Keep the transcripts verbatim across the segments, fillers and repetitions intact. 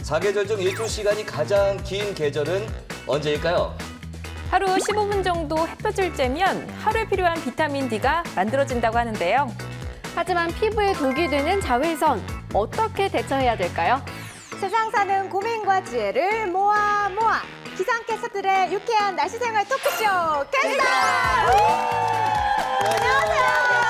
사계절 중 일조 시간이 가장 긴 계절은 언제일까요? 하루 십오 분 정도 햇볕을 쬐면 하루에 필요한 비타민 D가 만들어진다고 하는데요. 하지만 피부에 독이 되는 자외선, 어떻게 대처해야 될까요? 세상 사는 고민과 지혜를 모아 모아 기상캐스터들의 유쾌한 날씨 생활 토크쇼 캐스터! 안녕하세요.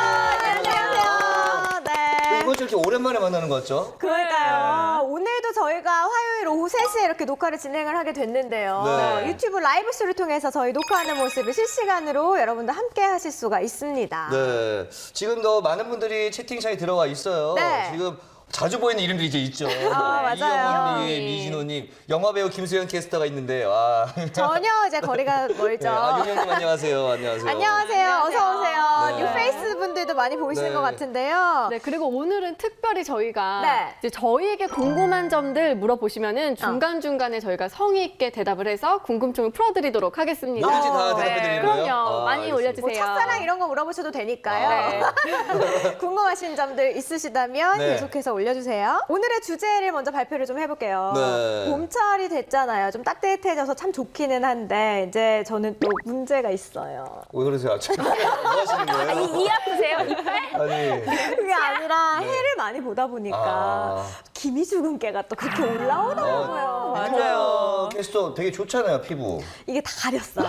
안녕하세요. 네. 이번 주 이렇게 오랜만에 만나는 것 같죠? 그러니까요. 오늘도 저희가 화요일 오후 세 시에 이렇게 녹화를 진행을 하게 됐는데요. 네. 유튜브 라이브쇼를 통해서 저희 녹화하는 모습을 실시간으로 여러분들 함께 하실 수가 있습니다. 네. 지금도 많은 분들이 채팅창에 들어와 있어요. 네. 지금 자주 보이는 이름들이 이제 있죠. 아, 맞아요. 이영훈님, 미진호님, 영화배우 김수현 캐스터가 있는데, 와. 전혀 이제 거리가 멀죠. 네. 아, 윤영님 안녕하세요. 안녕하세요. 안녕하세요. 어서 오세요. 네. 뉴페이스 분들도 많이 보이시는 네. 것 같은데요. 네, 그리고 오늘은 특별히 저희가 네. 이제 저희에게 궁금한 점들 물어보시면은 중간중간에 저희가 성의 있게 대답을 해서 궁금증을 풀어드리도록 하겠습니다. 뭐든지 다 어, 대답해드리는 네, 거예요? 그럼요. 아, 많이 알겠습니다. 올려주세요. 뭐 첫사랑 이런 거 물어보셔도 되니까요. 네. 궁금하신 점들 있으시다면 네. 계속해서 올려주세요. 오늘의 주제를 먼저 발표를 좀 해볼게요. 네. 봄철이 됐잖아요. 좀 따뜻해져서 참 좋기는 한데 이제 저는 또 문제가 있어요. 왜 그러세요? 뭐 하시는 거예요? 이 아프세요? 이빨? 아니. 그게 아니라 해를 많이 보다 보니까 네. 아. 기미주근깨가 또 그렇게 올라오더라고요. 맞아요. 캐스터 되게 좋잖아요, 피부. 이게 다 가렸어요.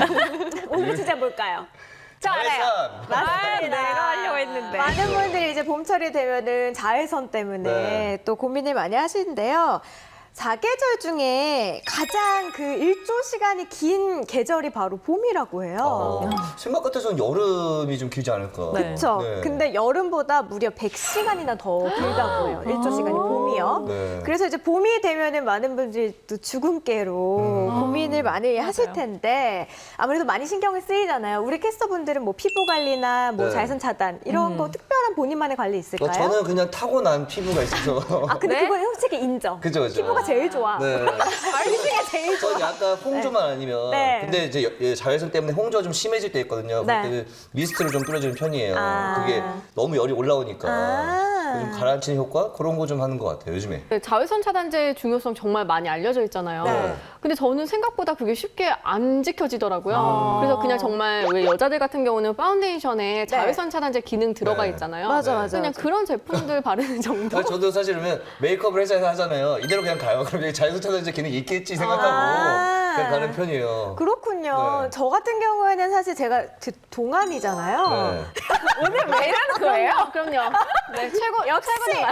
오늘 주제 뭘까요? 저 알아요. 자외선. 아, 내가 하려고 했는데. 많은 분들이 이제 봄철이 되면은 자외선 때문에 네. 또 고민을 많이 하시는데요. 사계절 중에 가장 그 일조 시간이 긴 계절이 바로 봄이라고 해요. 어, 생각 같아서는 여름이 좀 길지 않을까. 네. 그렇죠. 네. 근데 여름보다 무려 백 시간이나 더 길다고 해요. 일조 시간이 봄이요. 네. 그래서 이제 봄이 되면은 많은 분들이 또 주근깨로 음. 고민을 많이 하실 맞아요. 텐데 아무래도 많이 신경을 쓰이잖아요. 우리 캐스터분들은 뭐 피부 관리나 뭐 네. 자외선 차단 이런 거 특별한 본인만의 관리 있을까요? 어, 저는 그냥 타고난 피부가 있어서. 아 근데 네? 그건 솔직히 인정. 그죠, 그죠. 피부가 제일 좋아. 네. 이 중에 제일 좋아. 전 약간 홍조만 아니면. 네. 근데 이제 여- 예, 자외선 때문에 홍조가 좀 심해질 때 있거든요. 네. 그때는 미스트를 좀 뿌려주는 편이에요. 아. 그게 너무 열이 올라오니까. 아. 좀 가라앉히는 효과? 그런 거 좀 하는 것 같아요, 요즘에. 네, 자외선 차단제의 중요성 정말 많이 알려져 있잖아요. 네. 근데 저는 생각보다 그게 쉽게 안 지켜지더라고요. 아. 그래서 그냥 정말 왜 여자들 같은 경우는 파운데이션에 자외선 차단제 기능 들어가 네. 있잖아요. 맞아, 네. 맞아. 그냥 맞아. 그런 제품들 바르는 정도. 아니, 저도 사실 그러면 메이크업을 회사에서 하잖아요. 이대로 그냥 가요. 그럼 여기 자외선 차단제 기능이 있겠지 생각하고 아. 그냥 가는 편이에요. 그렇군요. 네. 저 같은 경우에는 사실 제가 그 동안이잖아요. 네. 오늘 왜 이러는 거예요? 그럼요. 네, 최고, 역시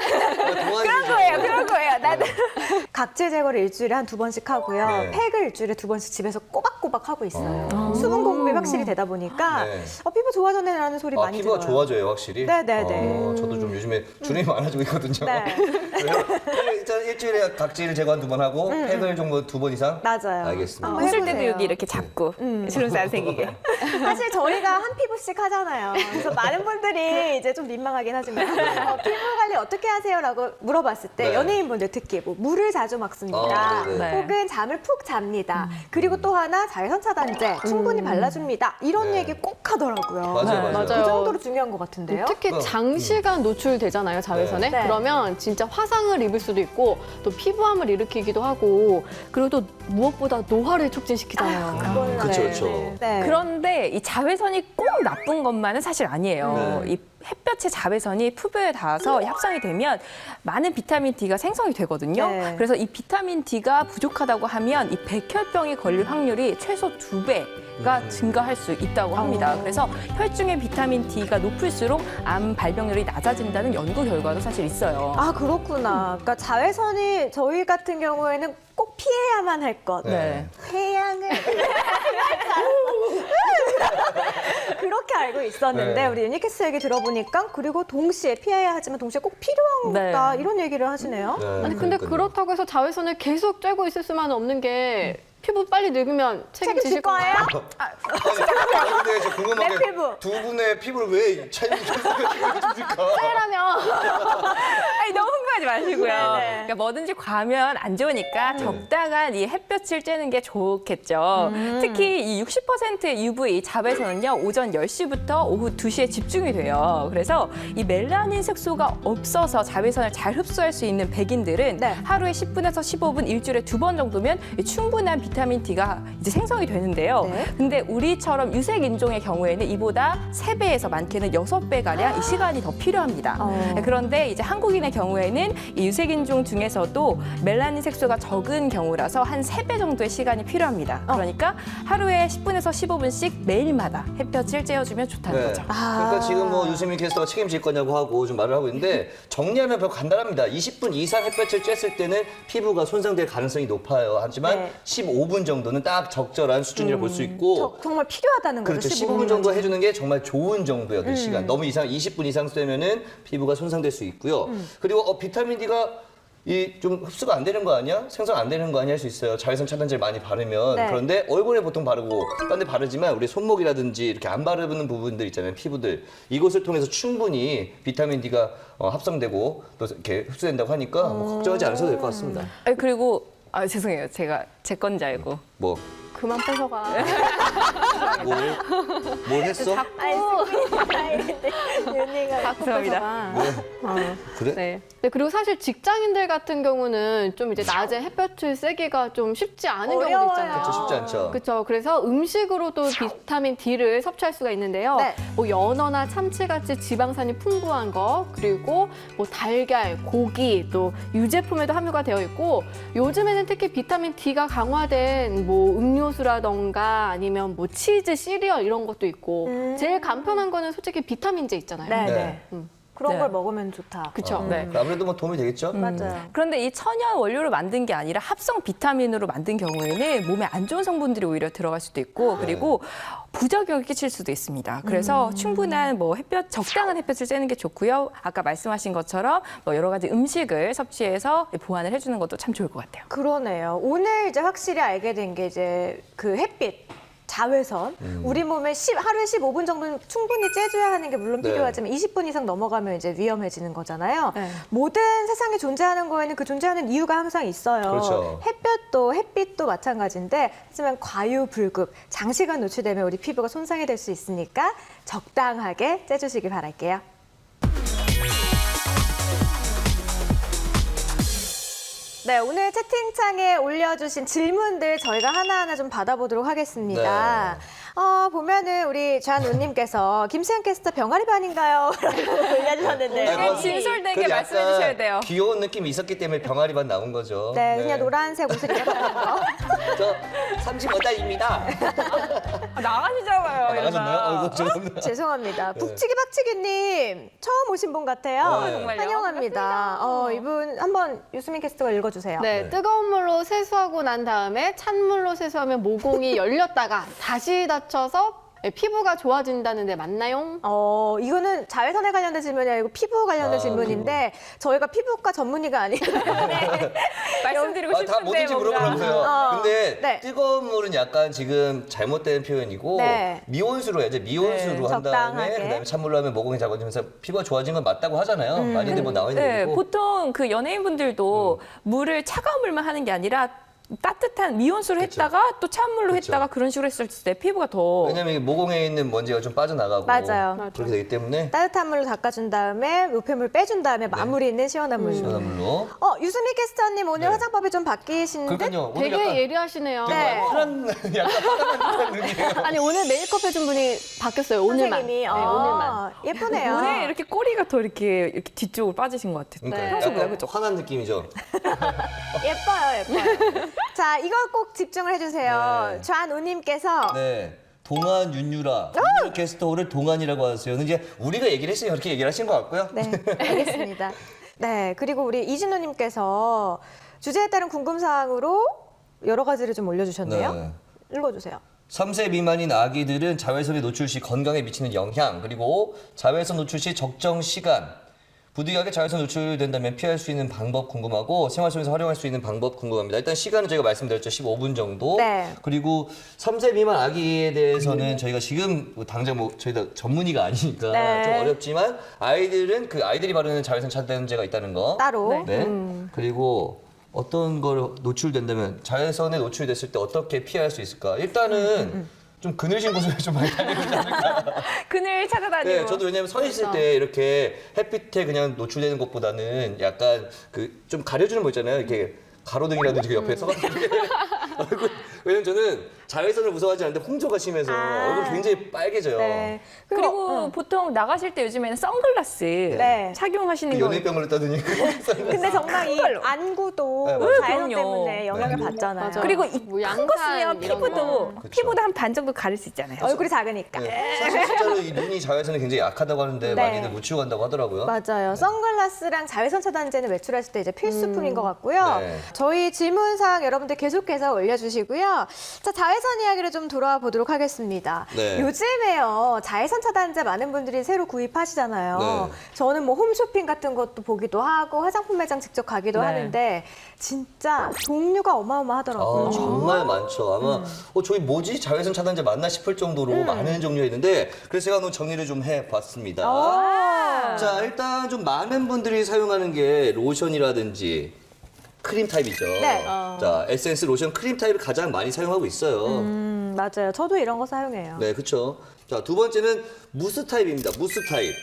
그런 거예요, 그런 거예요. 나도. 각질 제거를 일주일에 한 두 번씩 하고요. 네. 팩을 일주일에 두 번씩 집에서 꼬박꼬박 하고 있어요. 수분 공급이 확실히 되다 보니까 네. 어, 피부 좋아졌네라는 소리 아, 많이 피부가 들어요. 좋아져요, 확실히? 네네네. 어, 저도 좀 요즘에 주름이 많아지고 있거든요. 네. 그래서 일단 일주일에 각질 제거 한 두 번 하고 팩을 좀 두 번 이상? 맞아요. 알겠습니다. 한번 웃을 해보세요. 때도 여기 이렇게 잡고 주름살 안 생기게. 사실 저희가 한 피부씩 하잖아요. 그래서 많은 분들이 이제 좀 민망하긴 하지만 어, 피부 관리 어떻게 하세요라고 물어봤을 때 네. 연예인분들 특히 뭐 물을 자주 먹습니다. 어, 네네. 네. 혹은 잠을 푹 잡니다. 그리고 또 하나 자외선 차단제 충분히 발라줍니다. 이런 네. 얘기 꼭 하더라고요. 맞아요, 네, 맞아요. 그 정도로 중요한 것 같은데요. 특히 어. 장시간 노출되잖아요, 자외선에. 네. 그러면 진짜 화상을 입을 수도 있고 또 피부암을 일으키기도 하고 그리고 또 무엇보다 노화를 촉진시키잖아요. 그거는 그쵸, 네. 그쵸. 네. 그런데 이 자외선이 꼭 나쁜 것만은 사실 아니에요. 네. 이 햇볕의 자외선이 피부에 닿아서 합성이 되면 많은 비타민 D가 생성이 되거든요. 네. 그래서 이 비타민 D가 부족하다고 하면 이 백혈병이 걸릴 확률이 최소 두 배가 증가할 수 있다고 합니다. 그래서 혈중의 비타민 D가 높을수록 암 발병률이 낮아진다는 연구 결과도 사실 있어요. 아 그렇구나. 그러니까 자외선이 저희 같은 경우에는 꼭 피해야만 할 것. 네. 태양을 그렇게 알고 있었는데 네. 우리 유니캐스 얘기 들어보니까 그리고 동시에 피해야 하지만 동시에 꼭 필요한 네. 거다 이런 얘기를 하시네요. 네, 아니 근데 그러니까요. 그렇다고 해서 자외선을 계속 쬐고 있을 수만은 없는 게 피부 빨리 늙으면 책임질 책임지실 거예요? 건가요? 아니, 근데 저 궁금한 내 게 피부. 두 분의 피부를 왜 차이를 줍니까? 하면 아니 너무 궁금해. 걱정하지 마시고요. 네네. 그러니까 뭐든지 과하면 안 좋으니까 적당한 이 햇볕을 쬐는 게 좋겠죠. 특히 이 육십 퍼센트의 유브이 자외선은요, 오전 열 시부터 오후 두 시에 집중이 돼요. 그래서 이 멜라닌 색소가 없어서 자외선을 잘 흡수할 수 있는 백인들은 네. 하루에 십 분에서 십오 분, 일주일에 두 번 정도면 충분한 비타민 D가 이제 생성이 되는데요. 네. 근데 우리처럼 유색 인종의 경우에는 이보다 세 배에서 많게는 여섯 배 가량 이 시간이 더 필요합니다. 어. 그런데 이제 한국인의 경우에는 이 유색 인종 중에서도 멜라닌 색소가 적은 경우라서 한 세 배 정도의 시간이 필요합니다. 어. 그러니까 하루에 십 분에서 십오 분씩 매일마다 햇볕을 쬐어주면 좋다는 네. 거죠. 그러니까 지금 뭐 유세민 캐스터가 책임질 거냐고 하고 좀 말을 하고 있는데 정리하면 별 간단합니다. 이십 분 이상 햇볕을 쬐을 때는 피부가 손상될 가능성이 높아요. 하지만 네. 십오 분 정도는 딱 적절한 수준이라고 볼 수 있고 저, 정말 필요하다는 거죠. 그렇죠. 십오 십오 분 정도 해주는 게 정말 좋은 정도의 어떤 시간. 너무 이상 이십 분 이상 쐬면은 피부가 손상될 수 있고요. 그리고 어, 비타민 D가 이 좀 흡수가 안 되는 거 아니야? 생성 안 되는 거 아니야? 할 수 있어요. 자외선 차단제를 많이 바르면. 네. 그런데 얼굴에 보통 바르고 딴 데 바르지만 우리 손목이라든지 이렇게 안 바르는 부분들 있잖아요. 피부들. 이곳을 통해서 충분히 비타민 D가 어, 합성되고 또 이렇게 흡수된다고 하니까 뭐 걱정하지 않으셔도 될 것 같습니다. 아니, 그리고 아, 죄송해요. 제가 제 건지 알고. 뭐, 그만 뺏어가. 뭘, 뭘 했어? 아니, 스크린 스타일인데 윤희가 자꾸 죄송합니다. 뺏어가. 어. 그래? 네. 네, 그리고 사실 직장인들 같은 경우는 좀 이제 낮에 햇볕을 쐬기가 좀 쉽지 않은 경우도 어려워요. 있잖아요. 그렇죠, 쉽지 않죠. 그렇죠. 그래서 음식으로도 비타민 D를 섭취할 수가 있는데요. 네. 뭐 연어나 참치같이 지방산이 풍부한 거, 그리고 뭐 달걀, 고기, 또 유제품에도 함유가 되어 있고, 요즘에는 특히 비타민 D가 강화된 뭐 음료수라던가 아니면 뭐 치즈, 시리얼 이런 것도 있고, 음. 제일 간편한 거는 솔직히 비타민제 있잖아요. 네, 네. 네. 음. 그런 네. 걸 먹으면 좋다. 그렇죠. 어, 네. 아무래도 뭐 도움이 되겠죠? 맞아요. 그런데 이 천연 원료로 만든 게 아니라 합성 비타민으로 만든 경우에는 몸에 안 좋은 성분들이 오히려 들어갈 수도 있고 그리고 부작용을 끼칠 수도 있습니다. 그래서 충분한 뭐 햇볕, 적당한 햇볕을 쬐는 게 좋고요. 아까 말씀하신 것처럼 뭐 여러 가지 음식을 섭취해서 보완을 해주는 것도 참 좋을 것 같아요. 그러네요. 오늘 이제 확실히 알게 된 게 이제 그 햇빛. 자외선, 우리 몸에 십, 하루에 십오 분 정도는 충분히 쬐줘야 하는 게 물론 네. 필요하지만 이십 분 이상 넘어가면 이제 위험해지는 거잖아요. 네. 모든 세상에 존재하는 거에는 그 존재하는 이유가 항상 있어요. 그렇죠. 햇볕도 햇빛도 마찬가지인데 하지만 과유불급, 장시간 노출되면 우리 피부가 손상이 될 수 있으니까 적당하게 쬐주시길 바랄게요. 네, 오늘 채팅창에 올려주신 질문들 저희가 하나하나 좀 받아보도록 하겠습니다. 어, 보면은 우리 좌누님께서 김수현 캐스터 병아리 반인가요? 라고 올려주셨는데요. 아니, 뭐, 진솔되게 그래도 말씀해 약간 주셔야 돼요. 귀여운 느낌이 있었기 때문에 병아리 반 나온 거죠. 네, 그냥 노란색 옷을 입었다는 거. 저 삼십오 달입니다. 아, 나가시잖아요. 아, 나가셨나요? 어이구, 죄송합니다. 죄송합니다. 북치기 박치기님 처음 오신 분 같아요. 네. 정말요? 환영합니다. 어, 이분 한번 유수민 캐스터가 읽어주세요. 네, 네. 뜨거운 물로 세수하고 난 다음에 찬물로 세수하면 모공이 열렸다가 다시 닫혀서 피부가 좋아진다는데 맞나요? 어, 이거는 자외선에 관련된 질문이 아니고 피부 관련된 아, 질문인데 저희가 피부과 전문의가 아니기 때문에 말씀드리고 아, 다 싶은데 뭐든지 뭔가. 물어보라면서요. 어, 근데 네. 뜨거운 물은 약간 지금 잘못된 표현이고 네. 미온수로 해야죠. 미온수로 네, 한 다음에 적당하게. 그다음에 찬물로 하면 모공이 작아지면서 피부가 좋아진 건 맞다고 하잖아요. 음. 많이들 뭐 나와 있는 네, 얘기고. 보통 그 연예인분들도 물을 차가운 물만 하는 게 아니라 따뜻한 미온수로 그쵸. 했다가 또 찬물로 그쵸. 했다가 그런 식으로 했을 때 피부가 더 왜냐면 이 모공에 있는 먼지가 좀 빠져나가고 맞아요. 그렇게 되기 때문에 따뜻한 물로 닦아준 다음에 우편물 빼준 다음에 마무리는 시원한 물로. 시원한 물로. 어, 유수미 캐스터님 오늘 네. 화장법이 좀 바뀌신 듯? 그러니까요. 오늘 되게 약간 예리하시네요. 네. 파란 약간 파란 느낌이에요. 아니 오늘 메이크업 해준 분이 바뀌었어요. 오늘만. 선생님이. 네, 어, 오늘만. 예쁘네요. 오늘 이렇게 꼬리가 더 이렇게 이렇게 뒤쪽으로 빠지신 것 같아요. 그러니까 네. 평소보다 약간 그죠? 환한 느낌이죠. 예뻐요, 예뻐요. 자, 이거 꼭 집중을 해주세요. 네. 좌누님께서 네. 동안 윤유라. 윤유라 캐스터 오늘 동안이라고 하세요. 근데 이제 우리가 얘기를 했으니까 그렇게 얘기를 하신 것 같고요. 네, 알겠습니다. 네, 그리고 우리 이진호님께서 주제에 따른 궁금사항으로 여러 가지를 좀 올려주셨네요. 네. 읽어주세요. 삼 세 미만인 아기들은 자외선에 노출 시 건강에 미치는 영향, 그리고 자외선 노출 시 적정 시간, 부득이하게 자외선 노출된다면 피할 수 있는 방법 궁금하고 생활 속에서 활용할 수 있는 방법 궁금합니다. 일단 시간은 저희가 말씀드렸죠. 십오 분 정도. 네. 그리고 삼 세 미만 아기에 대해서는 저희가 지금 뭐 당장 뭐 저희가 전문의가 아니니까 네. 좀 어렵지만 아이들은 그 아이들이 바르는 자외선 차단제가 있다는 거. 따로. 네. 음. 그리고 어떤 걸 노출된다면 자외선에 노출됐을 때 어떻게 피할 수 있을까? 일단은 좀 그늘진 곳을 좀 많이 다니지 않을까? 그늘 찾아다니고. 네, 저도 왜냐면 서 있을 때 이렇게 햇빛에 그냥 노출되는 것보다는 약간 그 좀 가려주는 거 있잖아요. 이렇게 가로등이라든지 그 옆에 서가지고 이렇게 얼굴. 왜냐면 저는 자외선을 무서워하지 않는데 홍조가 심해서 아. 얼굴 굉장히 빨개져요. 네. 그리고 보통 나가실 때 요즘에는 선글라스 네. 착용하시는 그 거. 연예병을 따더니 근데 정말 이 그걸로. 안구도 네, 맞아요. 자외선 그럼요. 때문에 영향을 네. 받잖아요. 맞아. 그리고 뭐 이 큰 거 쓰면 양산 이런 피부도 거. 그쵸. 피부도 한 반 정도 가릴 수 있잖아요. 얼굴이 작으니까. 네. 사실 진짜로 이 눈이 자외선에 굉장히 약하다고 하는데 네. 많이들 묻히고 간다고 하더라고요. 맞아요. 선글라스랑 자외선 차단제는 외출하실 때 이제 필수품인 것 같고요. 네. 저희 질문사항 여러분들 계속해서 올려주시고요. 자, 자외선 이야기를 좀 돌아와 보도록 하겠습니다. 네. 요즘에요, 자외선 차단제 많은 분들이 새로 구입하시잖아요. 네. 저는 뭐 홈쇼핑 같은 것도 보기도 하고 화장품 매장 직접 가기도 네. 하는데 진짜 종류가 어마어마하더라고요. 아, 정말 많죠. 아마 음. 어, 저희 뭐지? 자외선 차단제 맞나 싶을 정도로 많은 종류가 있는데 그래서 제가 오늘 정리를 좀 해봤습니다. 아. 자, 일단 좀 많은 분들이 사용하는 게 로션이라든지 크림 타입이죠. 네. 자, 에센스, 로션, 크림 타입을 가장 많이 사용하고 있어요. 음, 맞아요. 저도 이런 거 사용해요. 네, 그렇죠. 자, 두 번째는 무스 타입입니다. 무스 타입.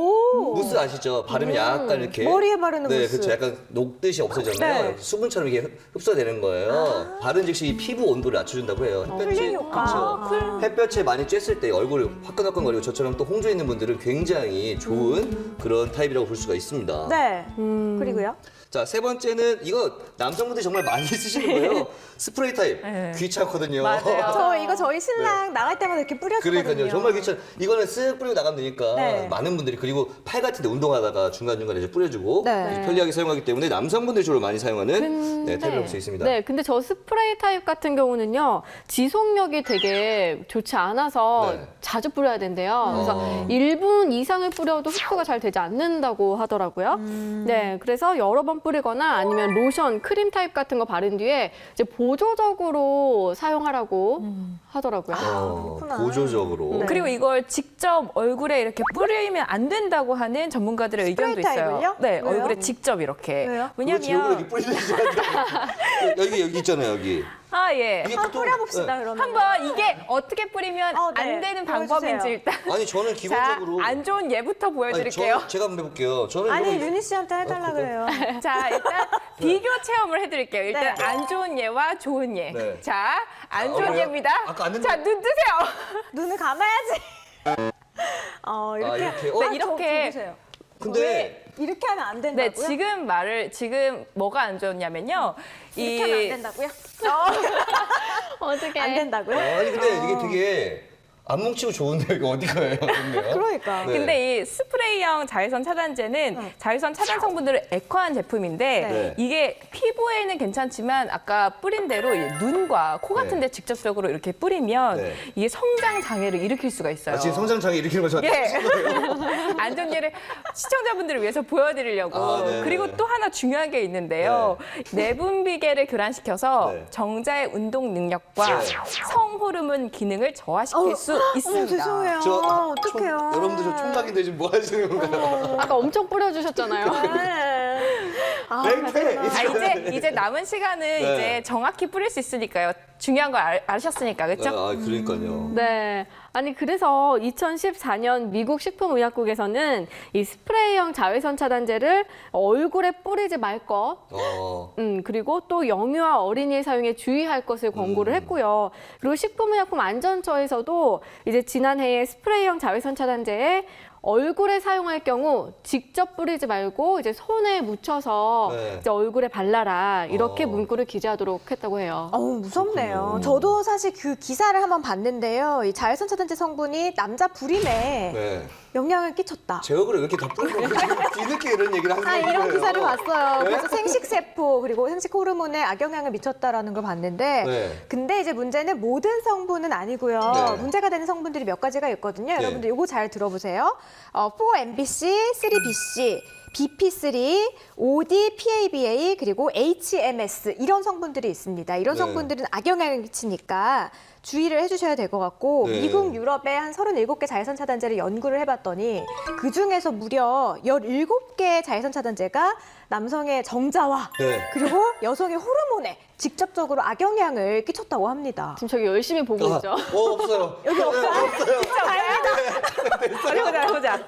오. 무스 아시죠? 바르면 약간 이렇게 머리에 바르는 네, 무스. 그렇죠. 약간 녹듯이 없어졌나요? 네. 수분처럼 이게 흡수가 되는 거예요. 바른 즉시 이 피부 온도를 낮춰준다고 해요. 햇볕이 쿨링 효과. 그렇죠. 햇볕에 많이 쬐을 때 얼굴 화끈화끈거리고 저처럼 또 홍조 있는 분들은 굉장히 좋은 그런 타입이라고 볼 수가 있습니다. 네. 그리고요? 자, 세 번째는 이거 남성분들이 정말 많이 쓰시는 거예요. 스프레이 타입. 네. 귀찮거든요. 맞아요. 저 이거 저희 신랑 나갈 때마다 이렇게 뿌렸거든요. 그러니까요. 정말 귀찮. 이거는 쓱 뿌리고 나가면 되니까 네. 많은 분들이 그리고 팔 같은 데 운동하다가 중간중간에 이제 뿌려주고 네. 편리하게 사용하기 때문에 남성분들이 주로 많이 사용하는 근데- 네, 타입이라고 볼 수 있습니다. 네, 근데 저 스프레이 타입 같은 경우는요, 지속력이 되게 좋지 않아서 네. 자주 뿌려야 된대요. 그래서 어. 일 분 이상을 뿌려도 흡수가 잘 되지 않는다고 하더라고요. 네, 그래서 여러 번 뿌리거나 아니면 로션, 크림 타입 같은 거 바른 뒤에 이제 보조적으로 사용하라고 하더라고요. 어, 그렇구나. 보조적으로. 네. 그리고 이걸 직접 얼굴에 이렇게 뿌리면 안 된다고 하는 전문가들의 스프레이 의견도 있어요. 타입을요? 네, 왜요? 얼굴에 직접 이렇게. 왜요? 그거 제 얼굴에 왜냐면 이렇게 뿌리는 줄 알았는데. 여기 여기 있잖아요, 여기. 아 예. 이게 한번 보통- 뿌려봅시다, 네. 그러면. 한번 이게 어떻게 뿌리면 어, 네. 안 되는 보여주세요. 방법인지 일단. 아니 저는 자, 기본적으로 안 좋은 예부터 아니, 보여드릴게요. 저, 제가 한번 해볼게요. 저는 아니, 이거- 유니 씨한테 해달라 어, 그거? 그래요. 자, 일단 비교 체험을 해드릴게요. 일단 네. 안 좋은 예와 좋은 예. 네. 자, 안 아, 좋은 그래요? 예입니다. 아까 안 된다- 자, 눈 뜨세요. 눈을 감아야지. 어, 이렇게. 아, 이렇게? 어? 네, 아, 저 이렇게. 보세요. 근데 이렇게 하면 안 네, 된다고요? 지금 말을 지금 뭐가 안 좋냐면요. 이렇게 하면 안 된다고요? 어떻게? 안 된다고요? 아니 근데 이게 되게 안 뭉치고 좋은데 이거 어디 가요? 근데요? 그러니까. 네. 근데 이 스프레이형 자외선 차단제는 자외선 차단 성분들을 액화한 제품인데 네. 이게 피부에는 괜찮지만 아까 뿌린 대로 이 눈과 코 같은 데 직접적으로 이렇게 뿌리면 네. 이게 성장 장애를 일으킬 수가 있어요. 아, 지금 성장장애 일으키는 거 저한테 예. 안 좋은 예를 시청자분들을 위해서 보여드리려고. 아, 네. 그리고 또 하나 중요한 게 있는데요. 내분비계를 교란시켜서 네. 정자의 운동 능력과 네. 성호르몬 기능을 저하시킬 수 있습니다. 어머, 죄송해요. 저 어떡해요. 총- 여러분들 저 총각인데 지금 뭐 하시는 건가요? 아까 엄청 뿌려주셨잖아요. 네. 아, 맹패! 아, 이제 이제 남은 시간은 네. 이제 정확히 뿌릴 수 있으니까요. 중요한 걸 알, 아셨으니까 그렇죠? 아, 그러니까요. 네. 아니, 그래서 이천십사 년 미국 식품의약국에서는 이 스프레이형 자외선 차단제를 얼굴에 뿌리지 말 것, 어. 음, 그리고 또 영유아 어린이의 사용에 주의할 것을 권고를 했고요. 그리고 식품의약품안전처에서도 이제 지난해에 스프레이형 자외선 차단제에 얼굴에 사용할 경우 직접 뿌리지 말고 이제 손에 묻혀서 네. 이제 얼굴에 발라라 이렇게 어. 문구를 기재하도록 했다고 해요. 어우, 무섭네요. 그렇군요. 저도 사실 그 기사를 한번 봤는데요. 이 자외선 차단제 성분이 남자 불임에 네. 영향을 끼쳤다. 제 얼굴에 왜 이렇게 다 뿌리고 지금 뒤늦게 이런 얘기를 하는 아, 거예요? 이런 기사를 봤어요. 네? 그래서 생식세포 그리고 생식 호르몬에 악영향을 미쳤다라는 걸 봤는데 네. 근데 이제 문제는 모든 성분은 아니고요. 네. 문제가 되는 성분들이 몇 가지가 있거든요. 네. 여러분들 이거 잘 들어보세요. 어, 사 엠 비 씨, 삼 비 씨, 비피 쓰리, 오디, 피에이비에이 그리고 에이치엠에스 이런 성분들이 있습니다. 이런 네. 성분들은 악영향을 끼치니까 주의를 해주셔야 될 것 같고 네. 미국, 유럽에 한 서른일곱 개 자외선 차단제를 연구를 해봤더니 그중에서 무려 열일곱 개의 자외선 차단제가 남성의 정자와 네. 그리고 여성의 호르몬에 직접적으로 악영향을 끼쳤다고 합니다. 지금 저기 열심히 보고 있죠. 어, 없어요. 여기 없어요? 네, 없어요. 진짜 다행이다. 어디 보자, 보자.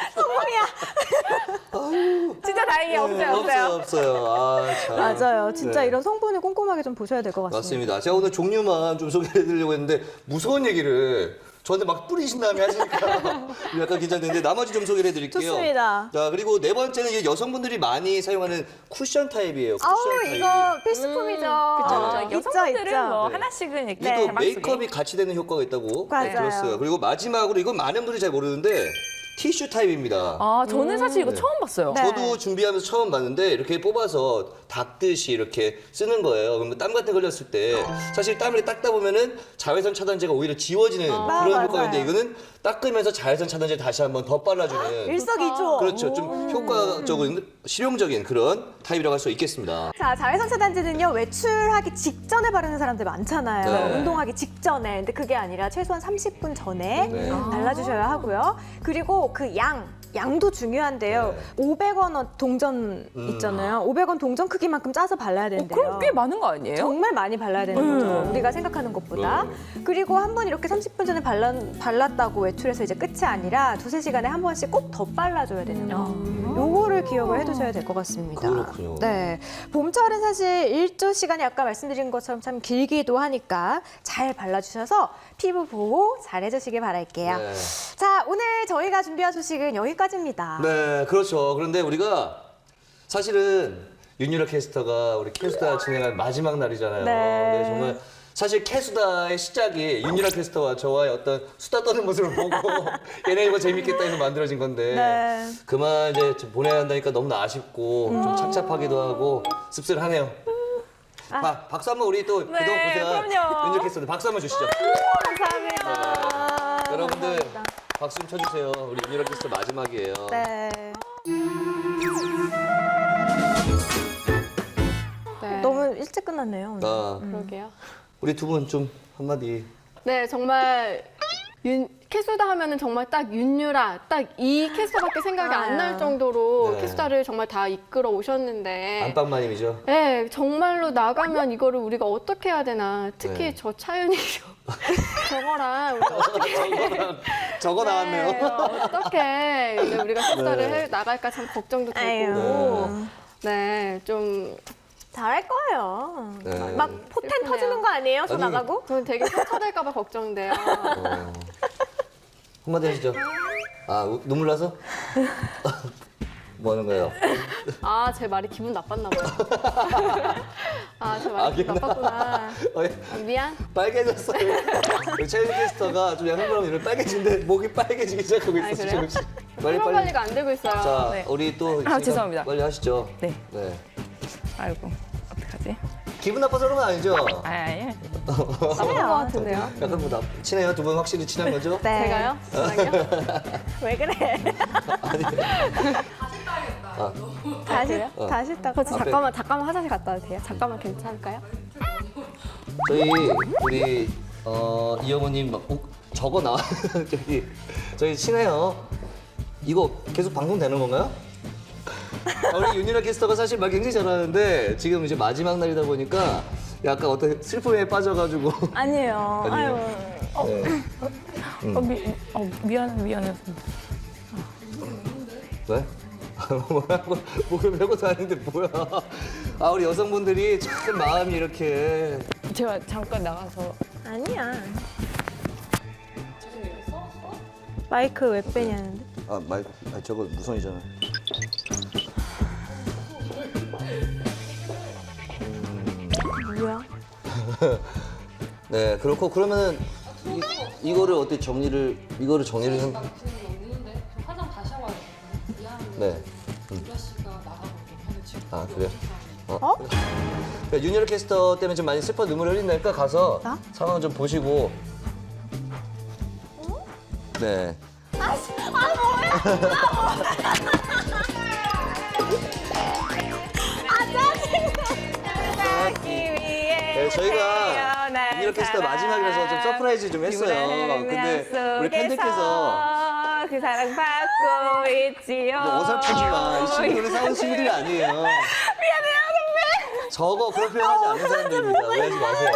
성공이야. 진짜 다행이에요. 없어요, 네, 없어요. 없어요. 아, 참. 맞아요. 진짜 네. 이런 성분을 꼼꼼하게 좀 보셔야 될 것 같습니다. 맞습니다. 제가 오늘 종류만 좀 소개해드리려고 했는데 무서운 얘기를 저한테 막 뿌리신 다음에 하시니까 약간 긴장되는데 나머지 좀 소개를 해드릴게요. 좋습니다. 자, 그리고 네 번째는 이제 여성분들이 많이 사용하는 쿠션 타입이에요. 쿠션 아우 타입. 이거 필수품이죠. 그렇죠, 어, 그렇죠. 있죠, 여성분들은 있죠. 뭐 네. 하나씩은 이렇게 이게 또 가방 속에. 메이크업이 같이 되는 효과가 있다고 맞아요. 들었어요. 그리고 마지막으로 이건 많은 분들이 잘 모르는데 티슈 타입입니다. 아, 저는 사실 이거 네. 처음 봤어요. 네. 저도 준비하면서 처음 봤는데 이렇게 뽑아서 닦듯이 이렇게 쓰는 거예요. 그러면 땀 같은 거 흘렸을 때 사실 땀을 닦다 보면은 자외선 차단제가 오히려 지워지는 그런 맞아요. 효과가 있는데 이거는 닦으면서 자외선 차단제 다시 한번 더 빨아주는 일석이조. 그렇죠. 좀 효과적인 실용적인 그런 타입이라고 할 수 있겠습니다. 자, 자외선 차단제는요, 외출하기 직전에 바르는 사람들 많잖아요. 네. 운동하기 직전에. 근데 그게 아니라 최소한 삼십 분 전에 네. 발라주셔야 하고요. 그리고 그 양, 양도 중요한데요. 네. 오백 원 동전 음. 있잖아요. 오백 원 동전 크기만큼 짜서 발라야 어, 된대요. 그럼 꽤 많은 거 아니에요? 정말 많이 발라야 되는 거죠. 음. 우리가 생각하는 것보다. 네. 그리고 한 번 이렇게 삼십 분 전에 발라, 발랐다고 외출해서 이제 끝이 아니라 두세 시간에 한 번씩 꼭 더 발라줘야 되는 거. 요거를 기억을 해두셔야 될 것 같습니다. 그렇군요. 네. 봄철은 사실 일조 시간이 아까 말씀드린 것처럼 참 길기도 하니까 잘 발라주셔서 피부 보호 잘 해주시길 바랄게요. 네. 자, 오늘 저희가 준비한 소식은 여기까지입니다. 네, 그렇죠. 그런데 우리가 사실은 윤유라 캐스터가 우리 캐스터 진행한 마지막 날이잖아요. 네. 정말 사실 캐수다의 시작이 윤유라 캐스터와 저와의 어떤 수다 떠는 모습을 보고 얘네 이거 재밌겠다 해서 만들어진 건데 네. 그만 이제 좀 보내야 한다니까 너무나 아쉽고 좀 착잡하기도 하고 씁쓸하네요. 박- 박수 한번 우리 또 그동안 고생한 그럼요. 윤유라 캐스터 박수 한번 주시죠. 감사합니다. 여러분들 감사합니다. 박수 좀 쳐주세요. 우리 윤유라 캐스터 마지막이에요. 네. 네. 너무 일찍 끝났네요. 오늘. 아, 그러게요. 우리 두 분 좀 한마디. 네, 정말 윤, 캐수다 하면은 정말 딱 윤유라, 딱 이 캐수다밖에 생각이 안 날 정도로 네. 캐수다를 정말 다 이끌어 오셨는데. 안방마님이죠. 네, 정말로 나가면 이거를 우리가 어떻게 해야 되나. 특히 네. 저 차윤이 저거랑 우리가 어떻게 저거 나왔네요. 네, 어떻게 이제 우리가 캐수다를 네. 해 나갈까 참 걱정도 되고. 아유. 네, 좀 잘할 거예요. 네. 막 포텐 슬프네요. 터지는 거 아니에요? 손 아니, 나가고? 저는 되게 상처될까 봐 걱정돼요. 어. 한마디 하시죠. 아, 우- 눈물 나서? 뭐 하는 거예요? 아, 제 말이 기분 나빴나 봐요. 아, 제 말이 기분 아, 나빴구나. 어, 예. 아, 미안. 빨개졌어요. 우리 최윤 캐스터가 좀 약간 그러면 이런 빨개진데 목이 빨개지기 시작하고 아, 있었어요. 그래요? 지금. 빨리 수면 빨리. 관리가 안 되고 있어요. 자, 네. 우리 또 아, 있으니까 죄송합니다. 빨리 하시죠. 네. 네. 아이고, 어떡하지? 기분 나빠서 그런 건 아니죠? 아, 예. 나쁜 것 같은데요. 약간 뭐 나, 친해요? 두 분 확실히 친한 거죠? 네. 제가요? 저랑요? 왜 그래? 아, 다시, 그래요? 어. 다시 딱. 저 앞에. 잠깐만, 잠깐만 화장실 갔다 와도 돼요? 잠깐만 괜찮을까요? 저희 우리 어, 이영호님 막 어, 저거 나와 저기 저희 친해요. 이거 계속 방송되는 건가요? 아, 우리 윤유라 캐스터가 사실 말 굉장히 잘하는데 지금 이제 마지막 날이다 보니까 약간 어떤 슬픔에 빠져가지고 아니에요. 아니에요. 아유. 네. 어, 미, 어, 미안, 미안해서. 왜? 뭐라고 목을 메고도 아닌데 뭐야? 아 우리 여성분들이 참 마음이 이렇게 제가 잠깐 나가서. 아니야. 마이크 왜 빼냐는데? 아 말, 아 저거 무선이잖아. 뭐야? 네 그렇고 그러면은 이, 이거를 어떻게 정리를 이거를 정리를 좀. 화장 다시 하고 와야 되거든요. 미안한데 네. 유라 씨가 나가고 근데 지금 아 그래요? 어? 어? 그러니까 윤여라 캐스터 때문에 좀 많이 슬퍼 눈물 흘린다니까 가서 나? 상황 좀 보시고. 네. 네, 저희가 유니얼 캐스터 마지막이라서 좀 서프라이즈 좀 했어요. 근데 우리 팬들께서 그 사랑 받고 있지요. 뭐 어설프지 마. 이 친구들은 사온 친구들이 아니에요. 미안해요, 선배. 저거 그런 표현하지 않는 사람들입니다. 오해하지 마세요.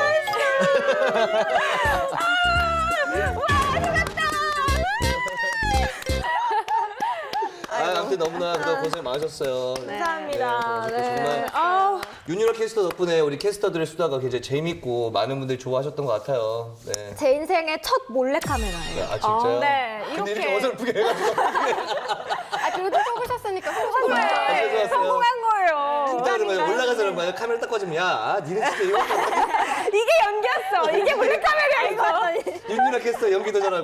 아, 아무튼 너무나 그동안 고생 많으셨어요. 감사합니다. 네, 네. 정말 아우, 유니얼 캐스터 덕분에 우리 캐스터들의 수다가 굉장히 재밌고 많은 분들이 좋아하셨던 것 같아요. 네. 제 인생의 첫 몰래카메라예요. 아, 진짜요? 네, 근데 이렇게. 이렇게 어설프게 해가지고. 아, 그래도 속으셨으니까 속으신 아, 거예요. 죄송했어요. 성공한 거예요. 진짜 그런 거예요. 올라가서 그런 거예요. 카메라 딱 꺼지면 야, 아, 니네 진짜 이거 이게 연기였어. 이게 몰래카메라야, 이거. 윤유라 캐스터 연기도 잘하고.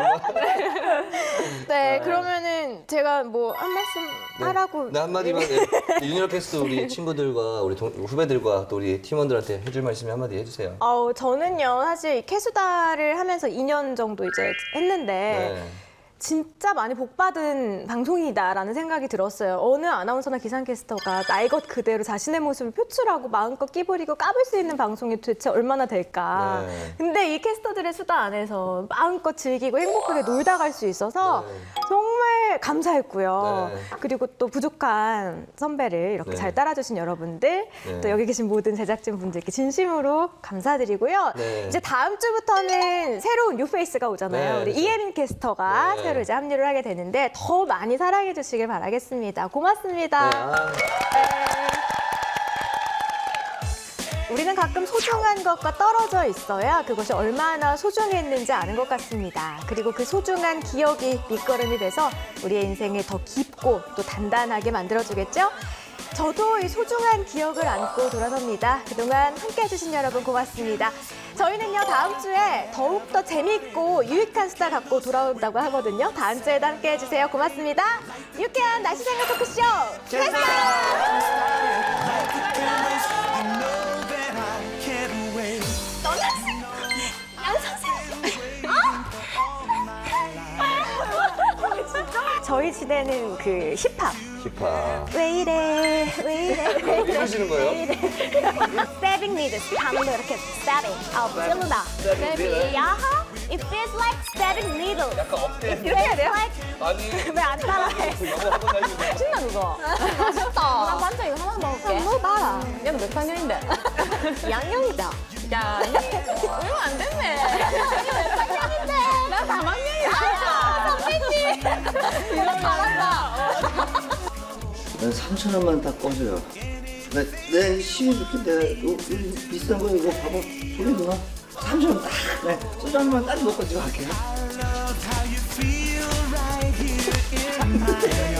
네, 그러면은 제가 뭐 한 말씀 하라고. 네, 한마디만. 네. 윤유라 캐스터 우리 친구들과 우리 동, 후배들과 또 우리 팀원들한테 해줄 말씀이 한마디 해주세요. 어, 저는요, 사실 이 캐수다를 하면서 이 년 정도 이제 했는데, 네. 진짜 많이 복받은 방송이다라는 생각이 들었어요. 어느 아나운서나 기상캐스터가 날 것 그대로 자신의 모습을 표출하고 마음껏 끼부리고 까불 수 있는 방송이 도대체 얼마나 될까. 네. 근데 이 캐스터들의 수다 안에서 마음껏 즐기고 행복하게 놀다 갈 수 있어서 네. 정말 감사했고요. 네. 그리고 또 부족한 선배를 이렇게 네. 잘 따라주신 여러분들, 네. 또 여기 계신 모든 제작진 분들께 진심으로 감사드리고요. 네. 이제 다음 주부터는 새로운 뉴페이스가 오잖아요. 네, 우리 그렇죠. 이혜민 캐스터가 네. 새로 이제 합류를 하게 되는데 더 많이 사랑해 주시길 바라겠습니다. 고맙습니다. 네, 아, 우리는 가끔 소중한 것과 떨어져 있어야 그것이 얼마나 소중했는지 아는 것 같습니다. 그리고 그 소중한 기억이 밑거름이 돼서 우리의 인생을 더 깊고 또 단단하게 만들어주겠죠? 저도 이 소중한 기억을 안고 돌아섭니다. 그동안 함께 해주신 여러분 고맙습니다. 저희는요, 다음 주에 더욱더 재밌고 유익한 수다 갖고 돌아온다고 하거든요. 다음 주에도 함께 해주세요. 고맙습니다. 유쾌한 날씨 생활 토크쇼 캐스터! 저희 시대는 그 힙합. 힙합. 왜 이래, 왜 이래, 왜 이래. 이러시는 거예요? 왜 이래. Stabbing needles. 하면 이렇게 stabbing. 아, 찔르다. Stabbing 야하. It feels like stabbing needles. 약간 업대. 이렇게 해야 돼요? 아니, 왜 안 따라해? 영어 한번 다니고. 신나 그거. 맛있다. 나 반찬 이거 하나 먹을게. 뭐 봐라. 얘는 몇 학년인데? 이 학년이다. 야, 얼마 안 됐네. 몇 학년인데? 나 삼 학년이야. 선배님. 이거 잘한다. 난 삼천 원만 다 꺼줘요. 내, 내 시계 줄게. 내가 요, 요 비싼 거 이거 봐봐. 소리 누나. 삼천 원 딱. 네. 소주 한 번만 딱 먹고 지금 갈게요.